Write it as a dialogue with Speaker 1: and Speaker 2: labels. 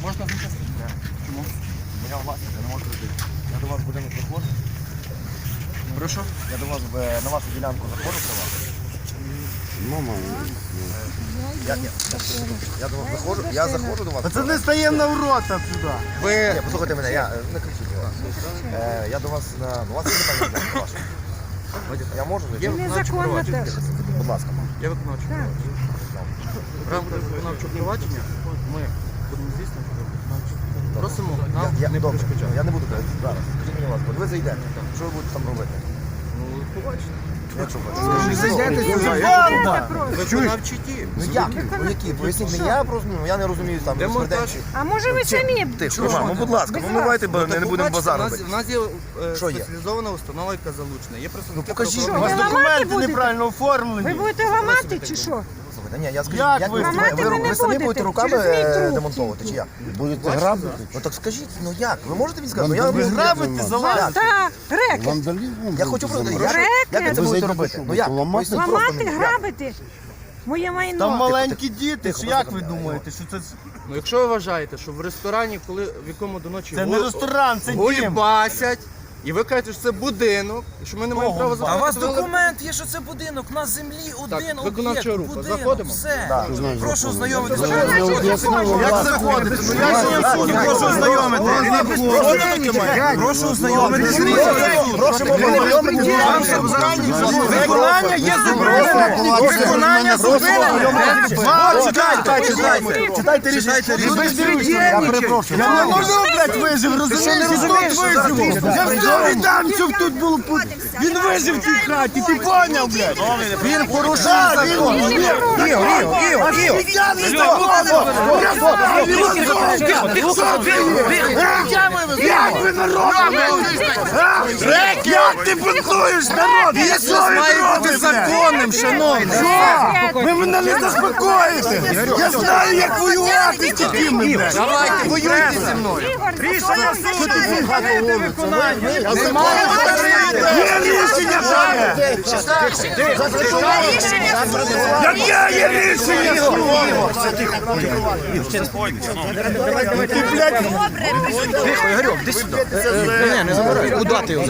Speaker 1: Можна зачистити? Чому?
Speaker 2: Моя власність, я не можу робити. Я до вас в будинок заходжу.
Speaker 1: Прошу?
Speaker 2: Я до вас на вашу ділянку заходжу при вас.
Speaker 3: Мама.
Speaker 2: Я до вас заходжу, я заходжу до вас.
Speaker 3: Пацани, стаємо на ворота сюди.
Speaker 2: Ні, послухайте мене, я не кричіть. Я до вас у вас є питання до вашого? Я можу зайти?
Speaker 1: Є виконавче провадження.
Speaker 2: Будь ласка.
Speaker 1: Є виконавче провадження. В рамках виконавчого провадження ми будемо здійснювати виконавче. Просимо нам не
Speaker 2: Добре,
Speaker 1: перешкоджати.
Speaker 2: я не буду казати зараз. Скажіть мені, будь ласка, ви зайдете. Що ви будете там робити?
Speaker 1: Ну, побачите.
Speaker 2: Якщо ви
Speaker 3: Зайдете сюди.
Speaker 1: Виконавчі дії.
Speaker 2: Ну як? Ну які? Поясніть мені, я просто я не розумію там
Speaker 1: Демонтаж.
Speaker 2: розпорядчі.
Speaker 4: А може ви самі?
Speaker 2: Тихо, будь ласка, ну давайте не будемо базар
Speaker 1: У
Speaker 2: робити.
Speaker 1: нас є
Speaker 2: Що є?
Speaker 1: спеціалізована установа, яка залучена. Є представники
Speaker 2: покажіть.
Speaker 4: Що,
Speaker 3: У вас
Speaker 4: ви ламати
Speaker 3: документи
Speaker 4: будете?
Speaker 3: неправильно
Speaker 4: Ви
Speaker 3: оформлені.
Speaker 4: будете ламати чи що?
Speaker 2: Слухайте, ні, я скажу,
Speaker 3: Як
Speaker 2: як
Speaker 3: ви?
Speaker 4: Ламати ви не
Speaker 2: ви самі
Speaker 4: будете,
Speaker 2: будете руками
Speaker 4: через мій труп
Speaker 2: демонтовувати, чи як?
Speaker 3: Будете грабити?
Speaker 2: Ну так скажіть, ну як? Ви можете мені сказати? Ну,
Speaker 3: Ви
Speaker 2: я
Speaker 3: грабите, залазите.
Speaker 4: Так, рекет.
Speaker 3: Вандалізмом?
Speaker 2: Я хочу просто,
Speaker 4: Рекет.
Speaker 2: як ви це
Speaker 3: Ви
Speaker 2: будете
Speaker 3: зайдете,
Speaker 2: робити?
Speaker 3: що
Speaker 2: Ну як?
Speaker 3: ламати?
Speaker 2: Поясніть просто
Speaker 4: Ламати,
Speaker 2: мені, як?
Speaker 4: грабити. Моє майно.
Speaker 3: Там маленькі діти,
Speaker 2: тихо,
Speaker 3: ж як
Speaker 2: тихо,
Speaker 3: ви
Speaker 2: тихо.
Speaker 3: думаєте, що це...
Speaker 1: Ну, якщо ви вважаєте, що в ресторані, коли в якому до ночі
Speaker 3: Це не ресторан, це дім.
Speaker 1: гульбасять, і ви кажете, що це будинок, і що ми не маємо права
Speaker 5: А у вас
Speaker 1: заходити.
Speaker 5: документ є, що це будинок, на землі один
Speaker 1: виконавча
Speaker 5: об'єкт,
Speaker 1: група.
Speaker 5: будинок,
Speaker 1: Заходимо?
Speaker 5: все.
Speaker 2: Так.
Speaker 5: Прошу ознайомитися.
Speaker 3: Як заходити? Ну я ж не суд, прошу ознайомити.
Speaker 5: Прошу ознайомитися.
Speaker 2: Просимо ознайомитися.
Speaker 3: Виконання є зобов'язання. Виконання зобов'язання.
Speaker 2: Читайте рішення.
Speaker 3: Я перепрошую. Я не можу, блядь, вижив, розумієш? Тут виживу. Я все віддам, щоб тут було. Він вижив в цій хаті, ти поняв, блядь?
Speaker 2: Він порушив закон.
Speaker 3: Я не Як ви народ? Як ти бунтуєш народ? Я що ви робите?
Speaker 1: законним, шановні.
Speaker 3: Ви мене не заспокоїте. Я знаю, як воювати з такими, блядь.
Speaker 1: Давайте, воюйте зі мною.
Speaker 3: Рішення суду зупинити виконання. Є рішення таке. Яке є рішення суду? Ти, блядь,
Speaker 1: Тихо, Ігорьок, ти сюди. Не забирай. Куди ти його